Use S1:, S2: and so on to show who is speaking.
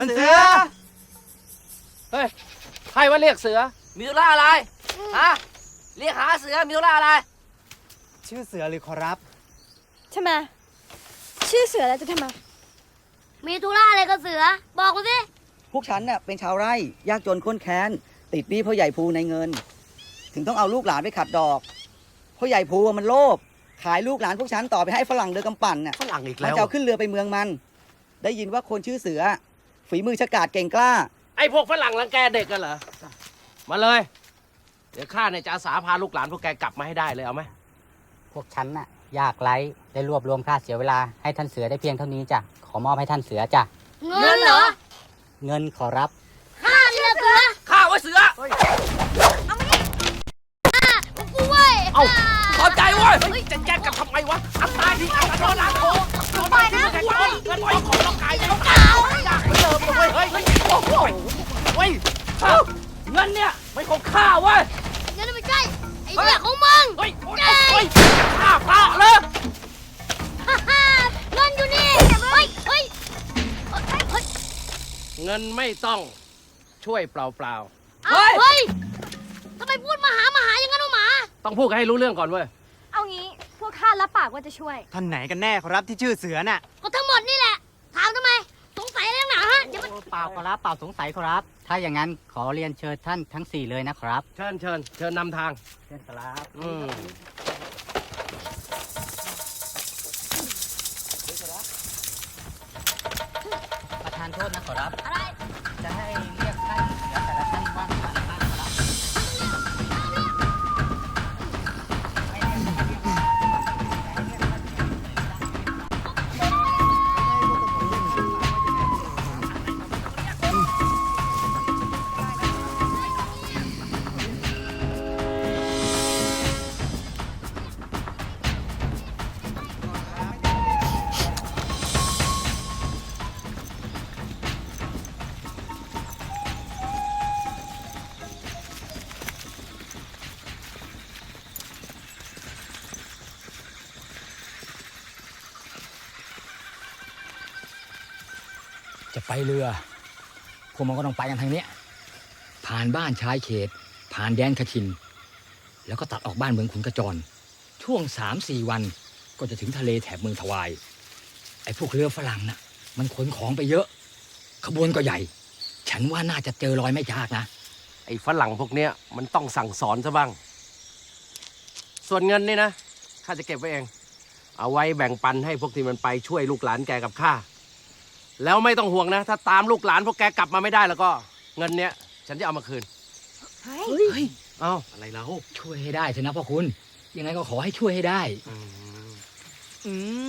S1: เสือเฮ้ยใครว่าเรียกเสือมีธุระอะไรฮะเรียกหาเสือมีธุระอะไร
S2: ชื่อเสือหรือขอรับ
S3: ทำไมชื่อเสือแล้วจะทำไม
S4: มีธุระอะไรกับเสือบอกมาสิ
S5: พวกฉันเนี่ยเป็นชาวไร่ยากจนข้นแค้นติดหนี้พ่อใหญ่ภูในเงินถึงต้องเอาลูกหลานไปขัดดอกพ่อใหญ่ภูมันโลภขายลูกหลานพวกฉันต่อไปให้ฝรั่งเดือกำปั่นน่ะ
S1: ฝรั่งอีกแล้ว
S5: มันจะเอาขึ้นเรือไปเมืองมันได้ยินว่าคนชื่อเสือฝีมือฉกาจเก่งกล้า
S1: ไอ้พวกฝรั่งรังแกเด็กกันเหรอมาเลยเดี๋ยวข้าเนี่ยจะอาสาพาลูกหลานพวกแกกลับมาให้ได้เลยเอาไหม
S6: พวกฉันน่ะยากไร้ได้รวบรวมค่าเสียเวลาให้ท่านเสือได้เพียงเท่านี้จ้ะขอมอบให้ท่านเสือจ้ะ
S4: เงินเหรอ
S6: เงินขอรับ
S4: ข้าเรียกเสือ
S1: ข้าไว้เสือ
S4: เอามาดิกูเว้ย
S1: เอาพอใจเว้ยจะแจ้งกันทำไมวะอัตตาดีอัตตาโดนล้างโถปล่อยนะปล่อยเงินปล่อยของต้องกายต้องกายอยากเติมเลยเฮ้ยโอ้โหเฮ้ยเงินเนี่ยไม่ของข้าเว้ย
S4: เงินไม่ใช่ไอ้เนี่ยของมึง
S1: เฮ้ยเฮ้ยข้าเปล่าเลย
S4: เงินอยู่นี่เฮ้ยเฮ้ย
S1: เงินไม่ต้องช่วยเปล่า
S4: เฮ้ยทำไมพูดมาหาอย่างนั้นวะหมา
S1: ต้องพูดกันให้รู้เรื่องก่อนเว้ย
S3: เอางี้พวกข้ารับปากว่าจะช่วย
S2: ท่านไหนกันแน่ขอรับที่ชื่อเสือน่ะ
S4: ก็ทั้งหมดนี่แหละถามทำไมสงสัยอะไรนักหนาฮะเดี๋ยวมัน
S6: เปล่าขอรับเปล่าสงสัยขอรับถ้าอย่างนั้นขอเรียนเชิญท่านทั้ง4เลยนะครับ
S1: เชิญนำทาง
S6: เชิญครับประธานโทษนะขอรับ
S4: อะไร
S6: จะให้เรียกท่านเสือแต่ละท่านว่าอะไรบ้างขอรับ
S7: จะไปเรือพวกมันก็ต้องไปกันทางนี้ผ่านบ้านชายเขตผ่านแดนคทินแล้วก็ตัดออกบ้านเมืองขุนกระจรช่วง3-4 วันก็จะถึงทะเลแถบเมืองทวายไอ้พวกเรือฝรั่งน่ะมันขนของไปเยอะขบวนก็ใหญ่ฉันว่าน่าจะเจอรอยไม่ยากนะ
S1: ไอ้ฝรั่งพวกเนี้ยมันต้องสั่งสอนซะบ้างส่วนเงินนี่นะข้าจะเก็บไว้เองเอาไว้แบ่งปันให้พวกที่มันไปช่วยลูกหลานแกกับข้าแล้วไม่ต้องห่วงนะถ้าตามลูกหลานพวกแกกลับมาไม่ได้แล้วก็เงินเนี้ยฉันจะเอามาคืน
S7: เฮ้ย
S1: เอ้าอะไรแล้ว
S7: ช่วยให้ได้เถอะนะพ่อคุณยังไงก็ขอให้ช่วยให้ได้